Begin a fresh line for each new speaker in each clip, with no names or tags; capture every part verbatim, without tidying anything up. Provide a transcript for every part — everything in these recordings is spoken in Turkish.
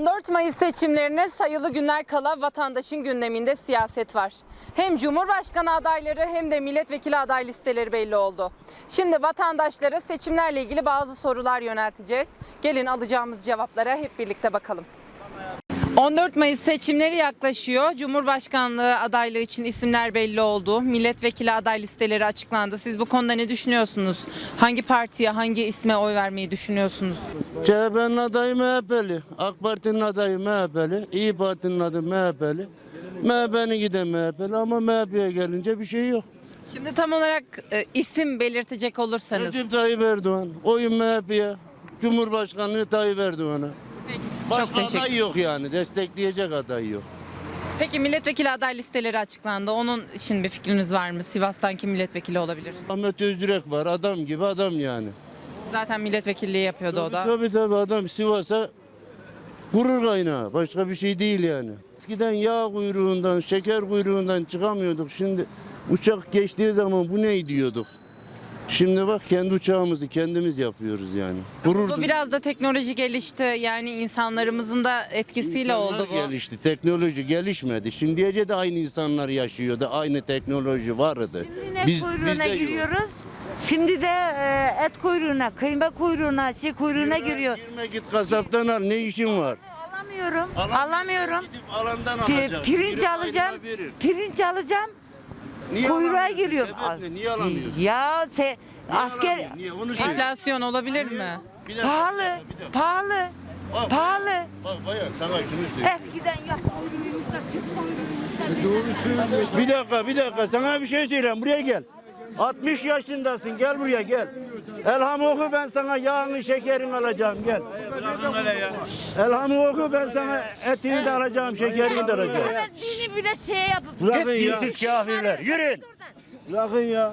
on dört Mayıs seçimlerine sayılı günler kala vatandaşın gündeminde siyaset var. Hem Cumhurbaşkanı adayları hem de milletvekili aday listeleri belli oldu. Şimdi vatandaşlara seçimlerle ilgili bazı sorular yönelteceğiz. Gelin alacağımız cevaplara hep birlikte bakalım. on dört Mayıs seçimleri yaklaşıyor. Cumhurbaşkanlığı adaylığı için isimler belli oldu. Milletvekili aday listeleri açıklandı. Siz bu konuda ne düşünüyorsunuz? Hangi partiye, hangi isme oy vermeyi düşünüyorsunuz?
C H P'nin adayı M H P'li, AK Parti'nin adayı M H P'li, İYİ Parti'nin adayı M H P'li. M H P'nin de M H P'li ama M H P'ye gelince bir şey yok.
Şimdi tam olarak e, isim belirtecek olursanız.
Recep Tayyip Erdoğan, oyun M H P'ye, Cumhurbaşkanlığı Tayyip Erdoğan'a.
Peki,
Başka
çok teşekkür.
aday yok yani, destekleyecek aday yok.
Peki milletvekili aday listeleri açıklandı. Onun için bir fikriniz var mı? Sivas'tan kim milletvekili olabilir?
Ahmet Özdürek var, adam gibi adam yani.
Zaten milletvekilliği yapıyordu o da.
Tabii tabii adam Sivas'a gurur kaynağı, başka bir şey değil yani. Eskiden yağ kuyruğundan, şeker kuyruğundan çıkamıyorduk. Şimdi uçak geçtiği zaman bu ne diyorduk. Şimdi bak kendi uçağımızı kendimiz yapıyoruz yani. Gurur
Bu biraz da teknoloji gelişti. Yani insanlarımızın da etkisiyle
İnsanlar
oldu bu.
gelişti, teknoloji gelişmedi. Şimdiye de aynı insanlar yaşıyordu, aynı teknoloji vardı.
Şimdi et kuyruğuna
bizde yok.
giriyoruz. Şimdi de e, et kuyruğuna, kıyma kuyruğuna, şey kuyruğuna
Girme,
giriyor.
Girme git kasaptan al, ne işin var?
Alamıyorum,
Alamıyorsan
alamıyorum.
Gidip alandan
Pi-
alacaksın.
Pirinç
Biri
alacağım,
ayrına verir.
pirinç alacağım,
Niye
kuyruğa
alamıyorsun?
giriyorum.
Sebep ne? Niye alamıyorsun?
Ya se,
Niye
asker
alamıyorsun? Niye? Onu söyle.
Enflasyon olabilir mi?
Bir dakika,
pahalı,
bir dakika, bir dakika.
pahalı,
Bak,
pahalı.
Bak bayan sana şunu söyleyeyim.
Eskiden yok kuyruğumuzda, Türk kuyruğumuzda.
Bir dakika bir dakika sana bir şey söyleyeyim buraya gel. altmış yaşındasın gel buraya gel. Elhamı oku ben sana yağını şekerini alacağım gel. Elhamı oku ben sana etini de alacağım şekerini de alacağım.
Hemen dini bile şey yapıp.
Git dinsiz kafirler yürüyün. Bırakın ya.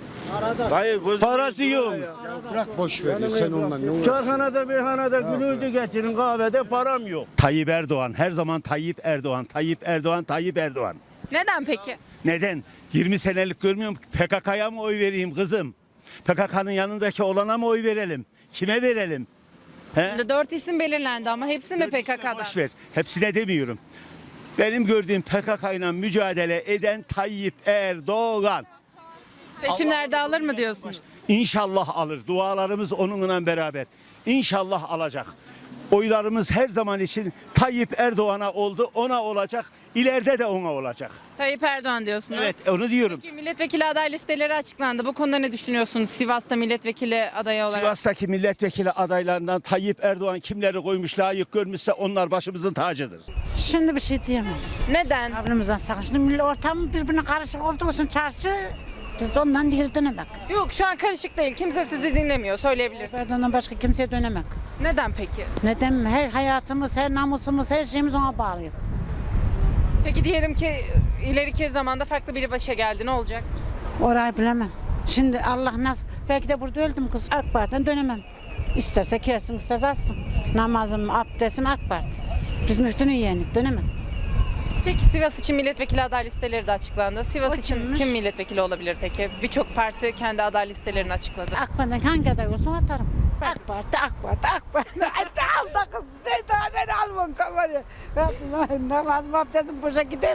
Parası yok.
Bırak boş ver ya, sen ondan ne uğraşıyorsun?
Çayhanada meyhanada gününüzü geçirin kahvede param yok.
Tayyip Erdoğan. Her zaman Tayyip Erdoğan. Tayyip Erdoğan, Tayyip Erdoğan.
Neden peki?
Neden? yirmi senelik görmüyor musun? P K K'ya mı oy vereyim kızım? P K K'nın yanındaki olana mı oy verelim? Kime verelim? He?
Şimdi dört isim belirlendi ama hepsi mi P K K'dan?
Boş ver. Hepsine demiyorum. Benim gördüğüm P K K ile mücadele eden Tayyip Erdoğan.
Seçimlerde alır mı diyorsunuz?
İnşallah alır. Dualarımız onunla beraber. İnşallah alacak. Oylarımız her zaman için Tayyip Erdoğan'a oldu, ona olacak. İleride de ona olacak.
Tayyip Erdoğan diyorsunuz.
Evet, onu diyorum.
Peki milletvekili aday listeleri açıklandı. Bu konuda ne düşünüyorsunuz? Sivas'ta milletvekili adayı olarak.
Sivas'taki milletvekili adaylarından Tayyip Erdoğan kimleri koymuş, layık görmüşse onlar başımızın tacıdır.
Şimdi bir şey diyemem.
Neden?
Ablamızdan sakın. Şimdi millet ortam birbirine karışık olduğu için çarşı biz de ondan geri dönemek.
Yok şu an karışık değil. Kimse sizi dinlemiyor. Söyleyebilirsiniz.
Erdoğan'dan başka kimseye dönemek.
Neden peki?
Neden? Her hayatımız, her namusumuz, her şeyimiz ona bağlı.
Peki diyelim ki ileriki zamanda farklı biri başa geldi. Ne olacak?
Orayı bilemem. Şimdi Allah nasıl, belki de burada öldüm kız. AK Parti'den dönemem. İsterse kesin, isterse atsın. Namazım, abdestim AK Parti. Biz müftünün yeğenik, dönemem.
Peki Sivas için milletvekili aday listeleri de açıklandı. Sivas
O
için
kimmiş?
kim milletvekili olabilir peki? Birçok parti kendi aday listelerini açıkladı.
AK Parti'den hangi aday olsun atarım. AK Parti, AK Parti, AK Parti. Al da kız. Ne daha beni alman kamerayı. Namazım, abdestim boşa gider.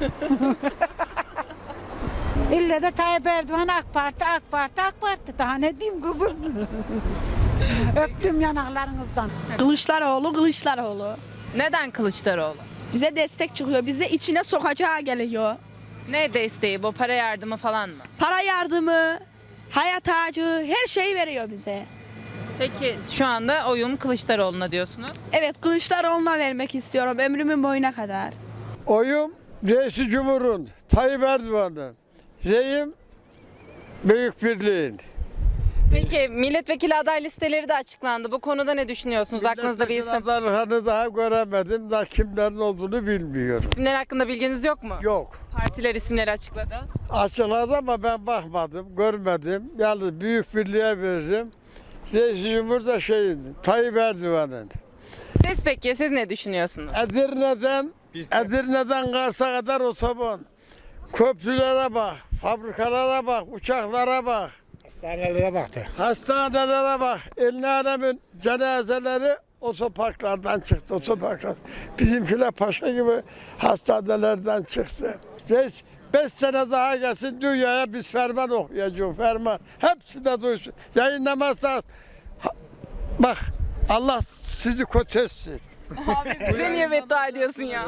İlle de Tayyip Erdoğan AK Parti, AK Parti, AK Parti. Daha ne diyeyim kızım? Öptüm yanaklarınızdan.
Kılıçdaroğlu, Kılıçdaroğlu.
Neden Kılıçdaroğlu?
Bize destek çıkıyor, bize içine sokacağı geliyor.
Ne desteği bu? Para yardımı falan mı?
Para yardımı, hayat ağacı, her şeyi veriyor bize.
Peki şu anda oyum Kılıçdaroğlu'na diyorsunuz.
Evet, Kılıçdaroğlu'na vermek istiyorum ömrümün boyuna kadar.
Oyum Reis-i Cumhur'un, Tayyip Erdoğan'ın, reyim Büyük Birliğin.
Peki milletvekili aday listeleri de açıklandı. Bu konuda ne düşünüyorsunuz? Aklınızda bir isim.
Adaylarını daha göremedim, daha kimlerin olduğunu bilmiyorum.
İsimler hakkında bilginiz yok mu?
Yok.
Partiler isimleri açıkladı.
Açıkladı ama ben bakmadım, görmedim. Yalnız Büyük Birliğe veririm. Reis-i Cumhur da şeyin, Tayyip Erdoğan'ın.
Siz peki siz ne düşünüyorsunuz?
Edirne'den, Edirne'den Kars'a kadar o sabun. Köprülere bak, fabrikalara bak, uçaklara bak.
Hastanelere baktı.
Hastanelere bak. El alemin cenazeleri otoparklardan çıktı, otoparklar. Bizimkiler paşa gibi hastanelerden çıktı. Reis beş sene daha gelsin dünyaya biz ferman okuyacağız, ferman. Hepsi de duysun. Yayınlamazsa ha- bak Allah sizi kötü etsin.
Abi bize niye beddua ediyorsun ya?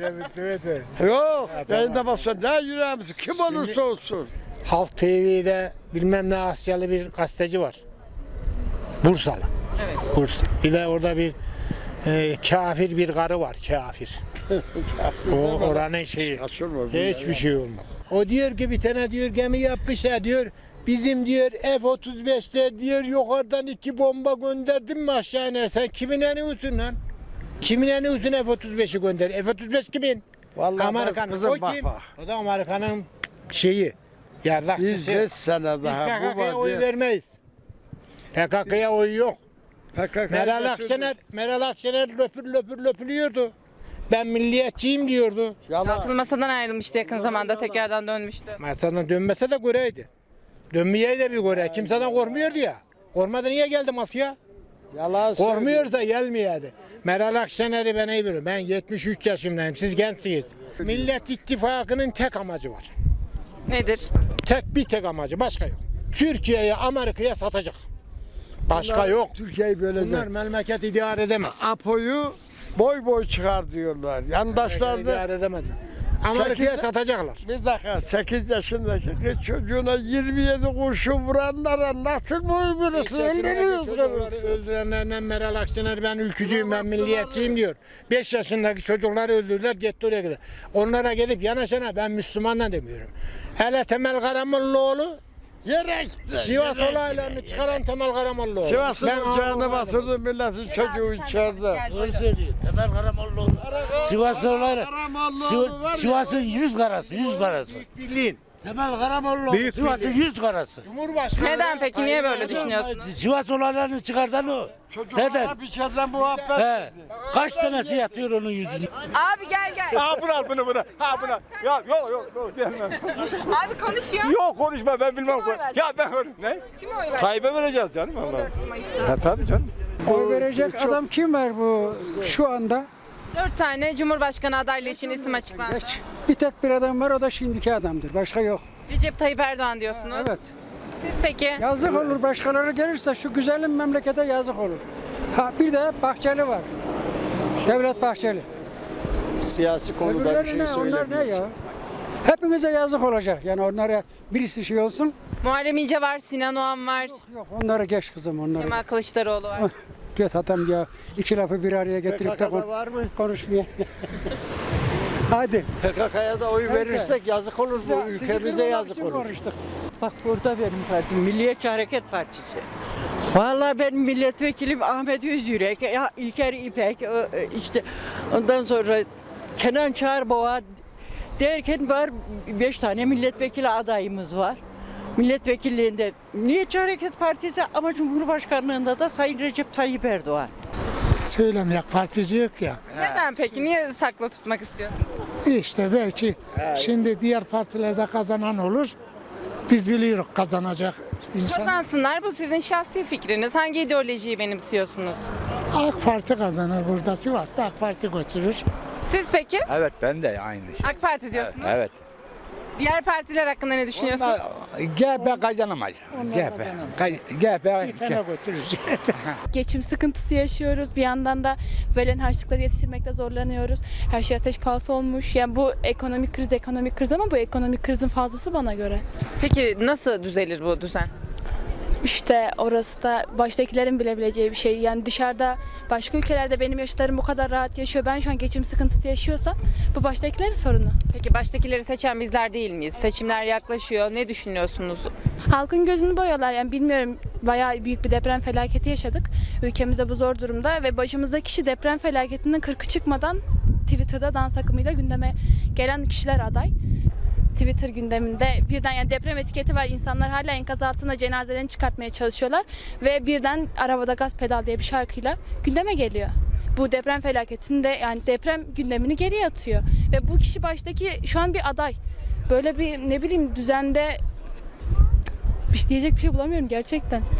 Yok, yayınlamazsa ne yüreğimiz kim olursa olsun.
Halk T V'de bilmem ne Asyalı bir gazeteci var. Bursalı.
Evet.
Bursa. Bir de orada bir e, kafir bir karı var, kafir. O oranın şeyi.
Açılma.
Hiçbir şey olmaz. O diyor ki bir tane diyor gemi yapmışlar diyor. Bizim diyor F otuz beşler diyor yukarıdan iki bomba gönderdim mi aşağı iner. Sen kimin eniyorsun lan? Kimin eniyorsun F otuz beşi gönder? F otuz beş kimin?
Vallahi
Amerikan.
kızım
O
bak
kim?
bak.
O da Amerikan'ın şeyi. Yardakçısı.
Biz beş sene
Biz
daha
P
bu
K K'ya oy
vaziyet.
vermeyiz. P K K'ya oy yok.
P K K'yı
Meral
götürdü.
Akşener, Meral Akşener löpür löpür löpürüyordu. Ben milliyetçiyim diyordu.
Yalan.
Altılı Masa'dan ayrılmıştı yakın zamanda tekrardan dönmüştü.
Masadan dönmese de göreydi. Dönmeye de bir göre. Kimseden korkmuyordu ya. Korkmadı niye geldi masaya?
Yalan söylüyor.
Korkmuyorsa gelmiyordu. Meral Akşener'i ben iyi bilirim. Ben yetmiş üç yaşındayım. Siz gençsiniz. Millet İttifakı'nın tek amacı var.
Nedir?
Tek bir tek amacı. Başka yok. Türkiye'yi Amerika'ya satacak. Başka yok.
Türkiye'yi
Bunlar
bölecek.
memleket idare edemez.
Apo'yu boy boy çıkar diyorlar. Yandaşlar da
İdare edemez. Amerika'ya
Sekiz-
satacaklar.
bir dakika sekiz yaşındaki kız çocuğuna yirmi yedi kurşun vuranlara nasıl boy verirsin? Öldürüyoruz
Çocukları
karısı.
öldürenlerden Meral Akşener ben ülkücüyüm ben milliyetçiyim diyor. beş yaşındaki çocukları öldürdüler gitti oraya gidiyor. Onlara gidip yanaşana ben Müslümanla demiyorum. Hele Temel Karamollaoğlu
Yerek.
Sivas olaylarını çıkaran Temel Karamollaoğlu.
Sivas'ın
Ben
ocağına
ağzına
batırdı milletin çocuğu içeride.
Doğru söylüyor. Temel Karamollaoğlu. Sivas olayları. Siv- Sivas'ın yüz karası, yüz karası.
Birliğin.
Temel Karamollaoğlu.
Büyük
Sivas'ın
birliği.
yüz karası.
Cumhurbaşkanı.
Neden peki? Niye böyle düşünüyorsunuz?
Sivas olaylarını çıkartan o. Neden?
Çocuklara bir şeyden muhabbet.
He. Kaç tanesi yatıyor onun yüzüne?
Abi gel gel.
Ha bunu al bunu bunu. Ha bunu. Ya yok yok yok gelmem.
Abi konuş ya.
Yok konuşma ben bilmem.
Kime oy verdin?
Ya ben ne?
Kime oy verdin?
Tayyip'e vereceğiz canım
on
Allah.
dört Mayıs'ta.
Ha tabii canım.
Oy verecek adam kim var bu şu anda?
Dört tane Cumhurbaşkanı adaylığı için isim açıklandı.
Hiç. Bir tek bir adam var, o da şimdiki adamdır. Başka yok.
Recep Tayyip Erdoğan diyorsunuz.
Evet.
Siz peki?
Yazık olur, başkaları gelirse şu güzelim memlekete yazık olur. Ha bir de Bahçeli var. Devlet Bahçeli.
Siyasi konuda bir
Öbürleri
şey
ne? Onlar ne
söylemiyor.
ya? Hepimize yazık olacak. Yani onlara birisi şey olsun.
Muharrem İnce var, Sinan Oğan var,
Yok onları geç kızım onları.
Kemal Kılıçdaroğlu var.
Git adam ya, iki lafı bir araya getirip de kon-
var mı?
konuşmaya. Hadi.
P K K'ya da oy
Neyse.
verirsek yazık olur
Size-
bu
sizi
ülkemize
kırmamak
yazık
için
olur.
konuştuk.
Bak burada benim partim Milliyetçi Hareket Partisi. Vallahi benim milletvekilim Ahmet Özyürek, ya İlker İpek, o, e, işte ondan sonra Kenan Çağırboğa derken var beş tane milletvekili adayımız var. Milletvekilliğinde Milliyetçi Hareket Partisi ama Cumhurbaşkanlığında da Sayın Recep Tayyip Erdoğan.
Söylemeyecek partici yok ya.
Neden peki? Niye saklı tutmak istiyorsunuz?
İşte belki şimdi diğer partilerde kazanan olur. Biz biliyoruz kazanacak insan.
Kazansınlar, bu sizin şahsi fikriniz. Hangi ideolojiyi benimsiyorsunuz?
AK Parti kazanır burada. Sivas'ta AK Parti götürür.
Siz peki?
Evet ben de aynı şey.
AK Parti diyorsunuz.
Evet.
Diğer partiler hakkında ne düşünüyorsunuz?
G B kazanamaz. G B. G B.
Bir tane götürür.
Geçim sıkıntısı yaşıyoruz. Bir yandan da verilen harçlıkları yetiştirmekte zorlanıyoruz. Her şey ateş pahası olmuş. Yani bu ekonomik kriz ekonomik kriz ama bu ekonomik krizin fazlası bana göre.
Peki nasıl düzelir bu düzen?
İşte orası da baştakilerin bilebileceği bir şey. Yani dışarıda başka ülkelerde benim yaşlarım bu kadar rahat yaşıyor. Ben şu an geçim sıkıntısı yaşıyorsam bu baştakilerin sorunu.
Peki baştakileri seçen bizler değil miyiz? Seçimler yaklaşıyor. Ne düşünüyorsunuz?
Halkın gözünü boyuyorlar. Yani bilmiyorum, bayağı büyük bir deprem felaketi yaşadık. Ülkemizde bu zor durumda ve başımızdaki kişi deprem felaketinin kırkı çıkmadan Twitter'da dans akımıyla gündeme gelen kişiler aday. Twitter gündeminde birden yani deprem etiketi var. İnsanlar hala enkaz altında cenazelerini çıkartmaya çalışıyorlar ve birden Arabada Gaz Pedal diye bir şarkıyla gündeme geliyor. Bu deprem felaketinde yani deprem gündemini geriye atıyor ve bu kişi baştaki şu an bir aday. Böyle bir ne bileyim düzende bir şey diyecek bir şey bulamıyorum gerçekten.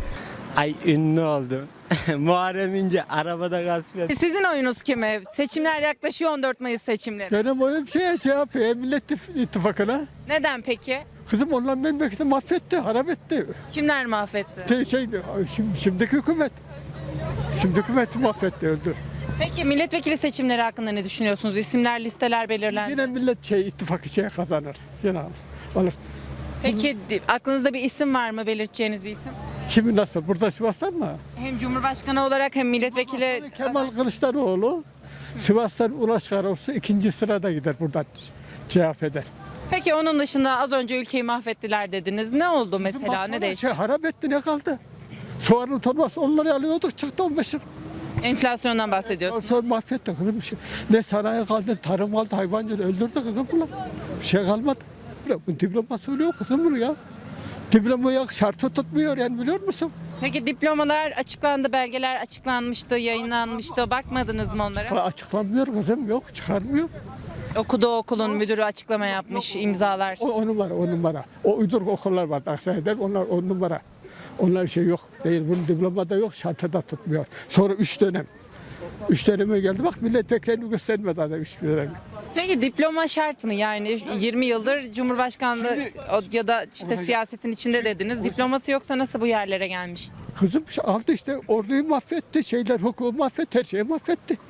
Ay ünlü oldu. Muharrem İnce arabada gasp etti.
Sizin oyunuz kime? Seçimler yaklaşıyor, on dört Mayıs seçimleri.
Benim oyum şeye C H P'ye, Millet İttifakı'na.
Neden peki?
Kızım onlar memleketi mahvetti, harap etti.
Kimler mahvetti?
Şey, şey, şimdi, şimdiki hükümet. Şimdiki hükümeti mahvetti, öldü.
Peki milletvekili seçimleri hakkında ne düşünüyorsunuz? İsimler, listeler belirlendi.
Yine millet şey, ittifakı şey kazanır. Yine alır. alır.
Peki di- aklınızda bir isim var mı, belirteceğiniz bir isim?
Kimi nasıl? Burada Sivas'tan mı?
Hem Cumhurbaşkanı olarak hem milletvekili...
Kemal Kılıçdaroğlu, Sivas'tan Ulaş Karaoğlu ikinci sırada gider buradan C H P'den.
Peki onun dışında az önce ülkeyi mahvettiler dediniz. Ne oldu mesela?
Baksana,
Ne değişti?
şey, harap etti, ne kaldı? Soğanın torbası onları alıyorduk, çıktı on beş lira.
Enflasyondan bahsediyorsunuz.
Sonra mahvetti kızım bir şey. Ne sanayi kaldı, tarım kaldı, hayvancılığı öldürdü kızım bunlar. Bir şey kalmadı. Bu diploma söylüyor kızım bunu ya. Diplomaya şartı tutmuyor yani, biliyor musun?
Peki diplomalar açıklandı, belgeler açıklanmıştı, yayınlanmıştı. Bakmadınız mı onlara?
Açıklanmıyor kızım, yok çıkarmıyor.
Okuduğu okulun müdürü açıklama yapmış, imzalar.
O, o numara, o numara. O uyduruk okullar var Aksaray'da, onlar on numara. Onlar şey yok, değil. Bunun diplomada yok, şartı da tutmuyor. Sonra üç dönem. Üç döneme geldi, bak milletvekilini göstermedi adam üç dönemi.
Peki diploma şart mı? Yani yirmi yıldır Cumhurbaşkanlığı o- ya da işte siyasetin içinde dediniz. Diploması yoksa nasıl bu yerlere gelmiş?
Kızım şey aldı işte, orduyu mahvetti, şeyler hukuku mahvetti, her şeyi mahvetti.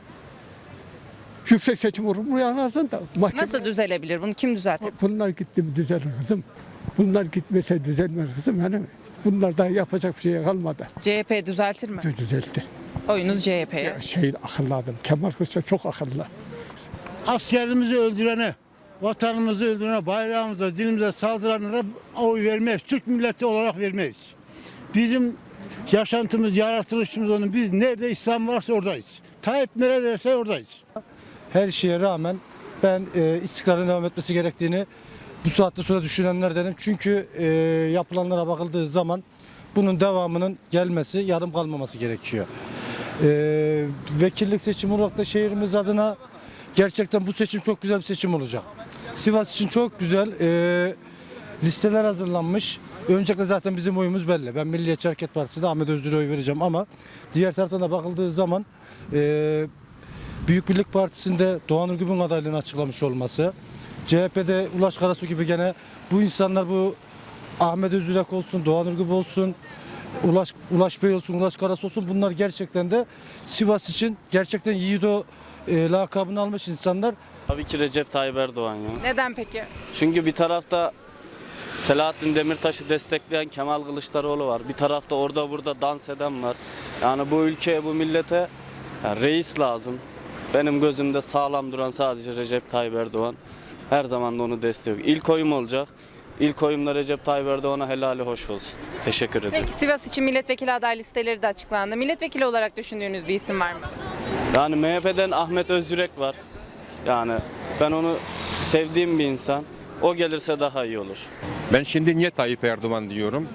Yüksek Seçim Kurulu yanasında. Mahkeme...
Nasıl düzelebilir? Bunu kim düzeltir?
Bunlar gitti mi düzelir kızım. Bunlar gitmese düzelmez kızım. Yani bunlar daha yapacak bir şey kalmadı.
C H P düzeltir mi?
Düzeltir.
Oyunuz C H P'ye.
Şey akıllı adam. Kemal Kılıçdaroğlu çok akıllı.
Askerimizi öldürene, vatanımızı öldürene, bayrağımıza, dilimize saldıranlara oy vermeyiz. Türk milleti olarak vermeyiz. Bizim yaşantımız, yaratılışımız onun. Biz nerede İslam varsa oradayız. Tayyip neredeyse oradayız.
Her şeye rağmen ben e, istikrarın devam etmesi gerektiğini bu saatte sonra düşünenlerdenim. Çünkü e, yapılanlara bakıldığı zaman bunun devamının gelmesi, yarım kalmaması gerekiyor. E, vekillik seçimi olarak da şehrimiz adına gerçekten bu seçim çok güzel bir seçim olacak. Sivas için çok güzel e, listeler hazırlanmış. Öncelikle zaten bizim oyumuz belli. Ben Milliyetçi Hareket Partisi'de Ahmet Özdür'e oy vereceğim ama diğer taraftan da bakıldığı zaman e, Büyük Birlik Partisi'nde Doğan Ürgüp'ün adaylığını açıklamış olması, C H P'de Ulaş Karasu gibi gene bu insanlar, bu Ahmet Özürek olsun, Doğan Ürgüp olsun, Ulaş, Ulaş Bey olsun, Ulaş Karasu olsun, bunlar gerçekten de Sivas için gerçekten Yiğido e, lakabını almış insanlar.
Tabii ki Recep Tayyip Erdoğan ya.
Neden peki?
Çünkü bir tarafta Selahattin Demirtaş'ı destekleyen Kemal Kılıçdaroğlu var. Bir tarafta orada burada dans eden var. Yani bu ülkeye, bu millete yani reis lazım. Benim gözümde sağlam duran sadece Recep Tayyip Erdoğan. Her zaman da onu destekliyor. İlk oyum olacak. İlk oyumda Recep Tayyip Erdoğan'a helali hoş olsun. Teşekkür ederim.
Peki Sivas için milletvekili aday listeleri de açıklandı. Milletvekili olarak düşündüğünüz bir isim var mı?
Yani M H P'den Ahmet Özyürek var. Yani ben onu sevdiğim bir insan. O gelirse daha iyi olur.
Ben şimdi niye Tayyip Erdoğan diyorum?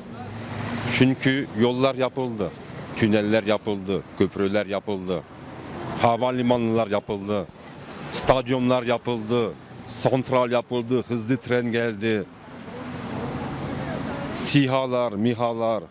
Çünkü yollar yapıldı, tüneller yapıldı, köprüler yapıldı, havalimanlar yapıldı, stadyumlar yapıldı, santral yapıldı, hızlı tren geldi, SİHA'lar, MİHA'lar,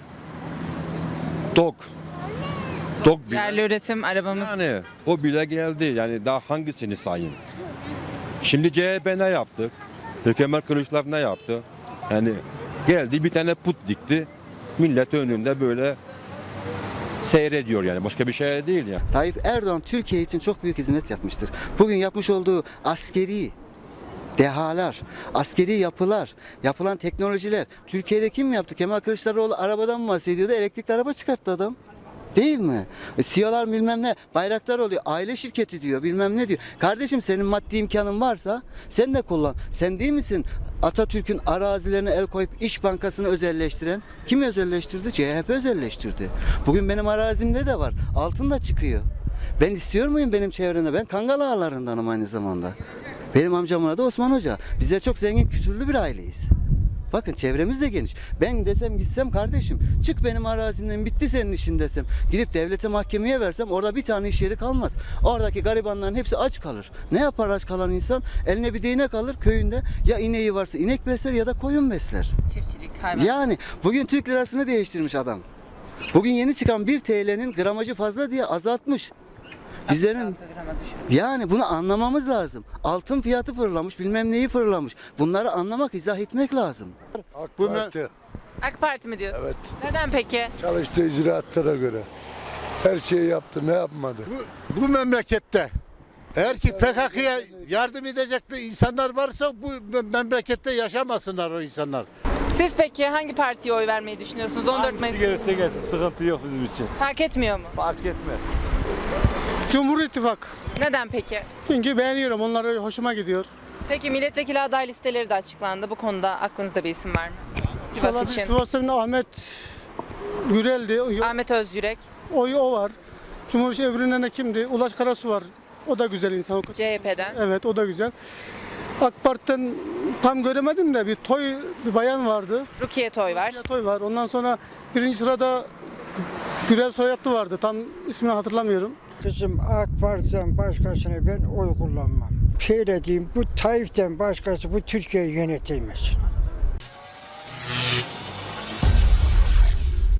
TOK, TOK bile,
Yerli üretim arabamız.
yani o bile geldi. Yani daha hangisini sayayım? Şimdi C H P ne yaptı? Kemal Kılıçdaroğlu ne yaptı? Yani geldi bir tane put dikti. Millet önünde böyle seyrediyor yani. Başka bir şey değil ya.
Tayyip Erdoğan Türkiye için çok büyük hizmet yapmıştır. Bugün yapmış olduğu askeri dehalar, askeri yapılar, yapılan teknolojiler. Türkiye'de kim yaptı? Kemal Kılıçdaroğlu arabadan mı bahsediyordu? Elektrikli araba çıkarttı adam. Değil mi? E, siyalar bilmem ne, bayraklar oluyor, aile şirketi diyor, bilmem ne diyor. Kardeşim senin maddi imkanın varsa sen de kullan. Sen değil misin Atatürk'ün arazilerine el koyup İş Bankası'nı özelleştiren? Kim özelleştirdi? C H P özelleştirdi. Bugün benim arazimde de var, altın da çıkıyor. Ben istiyor muyum benim çevremde? Ben Kangal ağalarındanım aynı zamanda. Benim amcamın adı Osman Hoca. Bizler çok zengin, kültürlü bir aileyiz. Bakın çevremiz de geniş. Ben desem gitsem kardeşim çık benim arazimden bitti senin işin desem. Gidip devlete mahkemeye versem orada bir tane iş yeri kalmaz. Oradaki garibanların hepsi aç kalır. Ne yapar aç kalan insan? Eline bir değnek alır köyünde. Ya ineği varsa inek besler ya da koyun besler.
Çiftçilik, hayvan.
Yani bugün Türk lirasını değiştirmiş adam. Bugün yeni çıkan bir T L'nin gramajı fazla diye azaltmış. Bizlerin yani bunu anlamamız lazım. Altın fiyatı fırlamış, bilmem neyi fırlamış. Bunları anlamak, izah etmek lazım.
AK Parti
AK Parti mi diyorsun?
Evet.
Neden peki?
çalıştığı icraatlara göre her şeyi yaptı, ne yapmadı?
Bu, bu memlekette eğer ki P K K'ya yardım edecek insanlar varsa bu memlekette yaşamasınlar o insanlar.
Siz peki hangi partiye oy vermeyi düşünüyorsunuz? on dört Mayıs
gelirse gelsin sıkıntı yok bizim için.
fark etmiyor mu?
Fark etmez.
Cumhur İttifakı.
Neden peki?
Çünkü beğeniyorum. Onlar hoşuma gidiyor.
Peki milletvekili aday listeleri de açıklandı. Bu konuda aklınızda bir isim var mı? Sivas için.
Sivas'ın Ahmet Gürel'di.
Ahmet Özyürek,
Oyu o var. Cumhurbaşkanı öbüründen de kimdi? Ulaş Karasu var. O da güzel insan.
C H P'den.
Evet, o da güzel. AK Parti'den tam göremedim de bir Toy bir bayan vardı.
Rukiye Toy var.
Toy var. Ondan sonra birinci sırada Gürel Soyatlı vardı. Tam ismini hatırlamıyorum.
Kızım AK Parti'den başkasına ben oy kullanmam. Şöyle diyeyim, bu Tayyip'ten başkası bu Türkiye'yi yönetemez.